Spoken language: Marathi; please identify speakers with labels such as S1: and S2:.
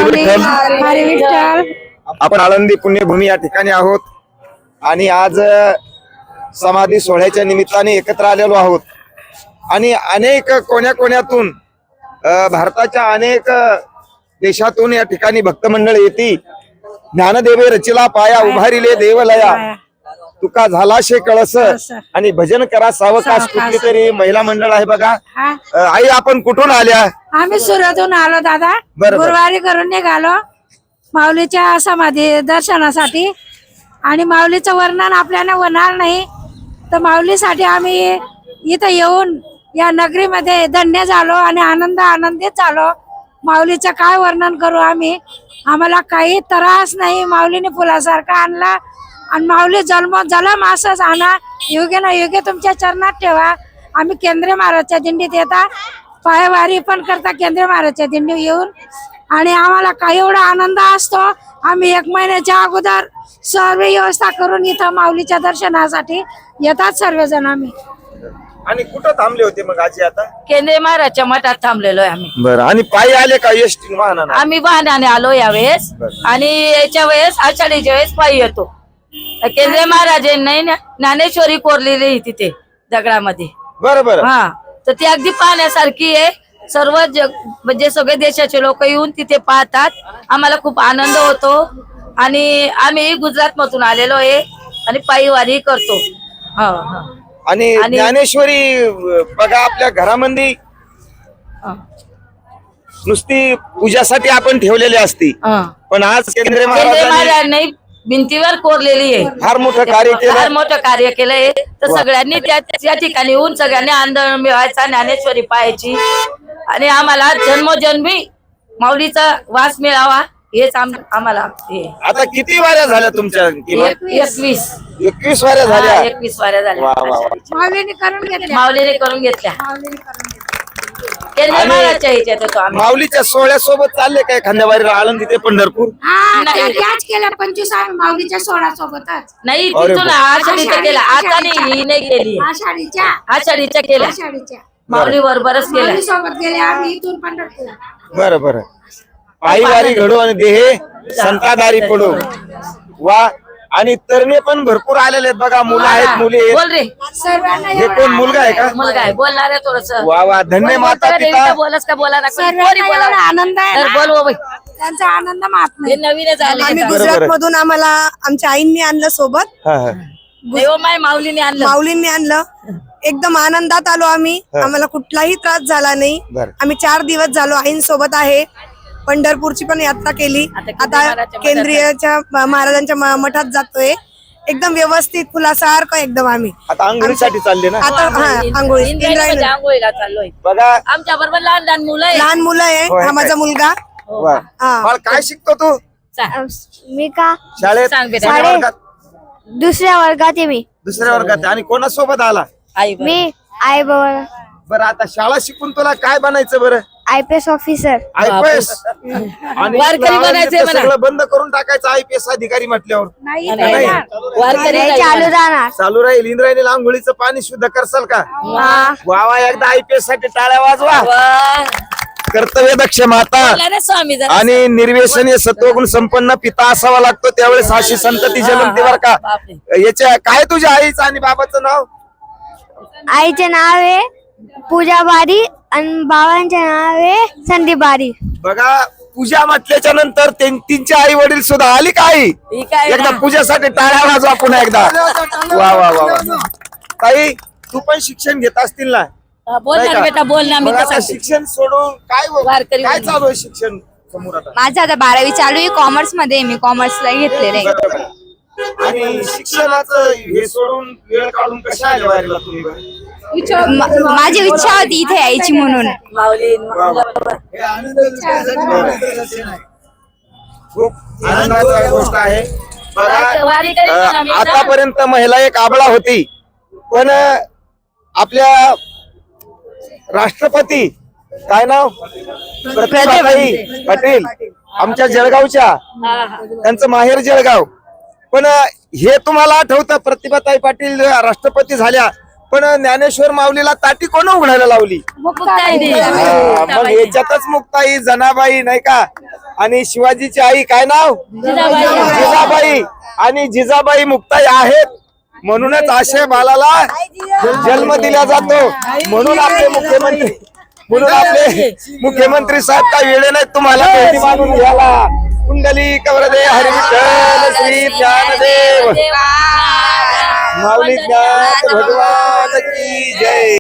S1: हरी विठ्ठल.
S2: आपण आळंदी पुण्यभूमी या ठिकाणी आहोत आणि आज समाधी सोहळ्याच्या निमित्ताने एकत्र आलेलो आहोत आणि अनेक कोण्यातून भारताच्या अनेक देशातून या ठिकाणी भक्त मंडळ येती. ज्ञानदेवे रचिला पाया उभारिले देवलया, तुका झाला शे कळस आणि भजन करा सावकाश. कुठली तरी महिला मंडळ आहे बघा. आई आपण कुठून आल्या?
S1: आम्ही सुरतहून आलो दादा. गुरुवारी करून निघालो माऊलीच्या समाधी दर्शनासाठी आणि माऊलीचं वर्णन आपल्याला होणार नाही, तर माऊलीसाठी आम्ही इथं येऊन या नगरीमध्ये धन्य झालो आणि आनंदित झालो. माऊलीचं काय वर्णन करू आम्ही, आम्हाला काही त्रास नाही. माऊलीने फुलासारखा आणला आणि माऊली जलम असंच आणा, योग्य ना योग्य तुमच्या चरणात ठेवा. आम्ही केंद्रीय महाराजच्या दिंडीत येता, पायवारी पण करता केंद्रीय महाराजच्या दिंडी येऊन आणि आम्हाला काही एवढा आनंद असतो. आम्ही 1 महिन्याच्या अगोदर सर्व व्यवस्था करून इथं माऊलीच्या दर्शनासाठी येतात सर्वजण. आम्ही
S2: आणि कुठं थांबले होते मग आजी? आता
S3: केंद्रीय महाराजच्या मठात थांबलेलो आहे आम्ही.
S2: बरं. आणि पायी आले का एसटी वाहनाने?
S3: आम्ही वाहनाने आलो यावेळेस आणि याच्या वेळेस आषाढीच्या वेळेस पायी येतो. केंद्रीय महाराजांनी ज्ञानेश्वरी कोरलेली तिथे दगडामध्ये.
S2: बरोबर.
S3: हा, तर ती अगदी पाहण्यासारखी आहे. सर्व जग म्हणजे सगळे देशाचे लोक येऊन तिथे पाहतात. आम्हाला खूप आनंद होतो आणि आम्ही गुजरात मधून आलेलो आहे आणि पायी वारी करतो.
S2: आणि ज्ञानेश्वरी बघा आपल्या घरामध्ये नुसती पूजासाठी आपण ठेवलेली असती, पण आज केंद्रीय
S3: महाराजांनी भिंतीवर कोरलेली आहे.
S2: फार मोठं कार्य केलं,
S3: फार मोठं कार्य केलंय. तर सगळ्यांनी त्या ठिकाणी येऊन सगळ्यांनी आनंद मिळवायचा, ज्ञानेश्वरी पाहायची आणि आम्हाला जन्मोजन्मी माऊलीचा वास मिळावा हेच आम्हाला.
S2: आता किती वाऱ्या झाल्या तुमच्या?
S3: 21
S2: वाऱ्या झाल्या.
S3: 21 वाऱ्या झाल्या
S1: माऊलीने
S3: करून घेतल्या. केंद्रीय महाराजच्या ह्याच्यात होतो आम्ही.
S2: माऊलीच्या सोहळ्यासोबत चालले काय खांद्यावारीला आळंदी ते पंढरपूर?
S1: आज केलं 25 आम्ही माऊलीच्या सोहळ्यासोबतच.
S3: नाही, तिथून आषाढीच्या केला. आता नाही, ही नाही केली. आषाढीच्या केल्या माऊली बरोबरच केल्या.
S1: सोबत गेले आम्ही इथून पंढरपूर.
S2: बरं बरं. पायी वारी घडो आणि देहे संतादारी पडो. वा. आणि तरणे पण भरपूर आलेले आहेत बघा. मुलं आहेत, मुली आहेत.
S3: बोल रे.
S2: हे कोण मुलगा आहे का?
S3: मुलगा आहे. बोलणार आहे थोडस.
S2: वा वा. धन्य माता पिता.
S3: बोलस का बोला ना.
S1: आनंद आहे.
S3: बोल बाबा.
S1: त्यांचा आनंद मात नाही.
S3: नवीनच आले.
S4: आम्ही गुजरात मधून आम्हाला आमच्या आईंनी आणलं सोबत.
S3: माऊलीने आणलं.
S4: माऊलींनी आणलं. एकदम आनंदात आलो आम्ही. आम्हाला कुठलाही त्रास झाला नाही. आम्ही 4 दिवस झालो आईंसोबत आहे. पंढरपूरची पण यात्रा केली. आता केंद्रीयच्या महाराजांच्या मठात जातोय. एकदम व्यवस्थित फुलासारखं एकदम. आम्ही
S2: आता आंघोळीसाठी चालले ना?
S4: आता आंघोळी
S3: आंघोळीला चाललोय.
S2: बघा
S3: आमच्या बरोबर लहान मुलं
S4: आहे. हा माझा मुलगा.
S2: काय शिकतो तू?
S5: मी का
S2: शाळेत?
S5: दुसऱ्या वर्गात आहे. मी
S2: दुसऱ्या वर्गात. आणि कोणासोबत आला?
S5: मी आई बाबा.
S2: बरं. आता शाळा शिकून तुला काय बनायचं? बरं,
S5: IPS ऑफिसर.
S2: IPS. आणि सगळं बंद करून टाकायचं IPS अधिकारी म्हटल्यावर चालू राहील. इंद्रायणी आंघोळीचं पाणी शुद्ध करसाल का? वावा. एकदा IPS साठी टाळ्या वाजवा. कर्तव्य दक्ष माता आणि निर्व्यसनीय सत्वगुण संपन्न पिता असावा लागतो. त्यावेळेस अशी संतती जन्मते बर का. याच्या काय तुझ्या आईचं आणि बाबाचं नाव?
S5: आईचे नाव आहे पूजा बारी आणि बाबांचे नाव आहे संदीप बारी.
S2: बघा, पूजा म्हटल्याच्या नंतर त्यांचे आई वडील सुद्धा आली का? आई एकदा पूजासाठी टाळ्या वाजवा पुन्हा एकदा. वा वा वा वा. ताई, तू पण शिक्षण घेत असतील ना?
S3: बोलणार बेटा, बोलणार.
S2: शिक्षण सोडून काय चालू आहे शिक्षण समोर आता?
S5: माझं आता 12वी चालू आहे. कॉमर्स मध्ये मी कॉमर्सला घेतलेलं आहे.
S2: आणि शिक्षणाचं हे सोडून वेळ काढून कशा आले वारीला तुम्ही?
S5: माझी इच्छा होती इथे यायची म्हणून.
S2: खूप आनंदाची गोष्ट आहे. आतापर्यंत महिला एक आबळा होती, पण आपल्या राष्ट्रपती काय नाव? प्रतिभाताई पाटील आमच्या जळगावच्या. त्यांचं माहेर जळगाव. पण हे तुम्हाला आठवतं प्रतिभाताई पाटील राष्ट्रपती झाल्या पण ज्ञानेश्वर माऊलीला ताटी कोण उघडायला लावली?
S1: मुक्ताई.
S2: हा, मग याच्यातच मुक्ताई, जनाबाई नाही का, आणि शिवाजीची आई काय नाव? जिजाबाई. आणि जिजाबाई मुक्ताई आहेत म्हणूनच आशय बालाला जन्म दिला जातो. म्हणून आपले मुख्यमंत्री साहेब काय वेळे नाही तुम्हाला भेटी मानून घ्यायला. कुंडली कवरदे हरी विठ्ठल श्री ज्ञानदेव माऊली ज्ञान भगवान की जय.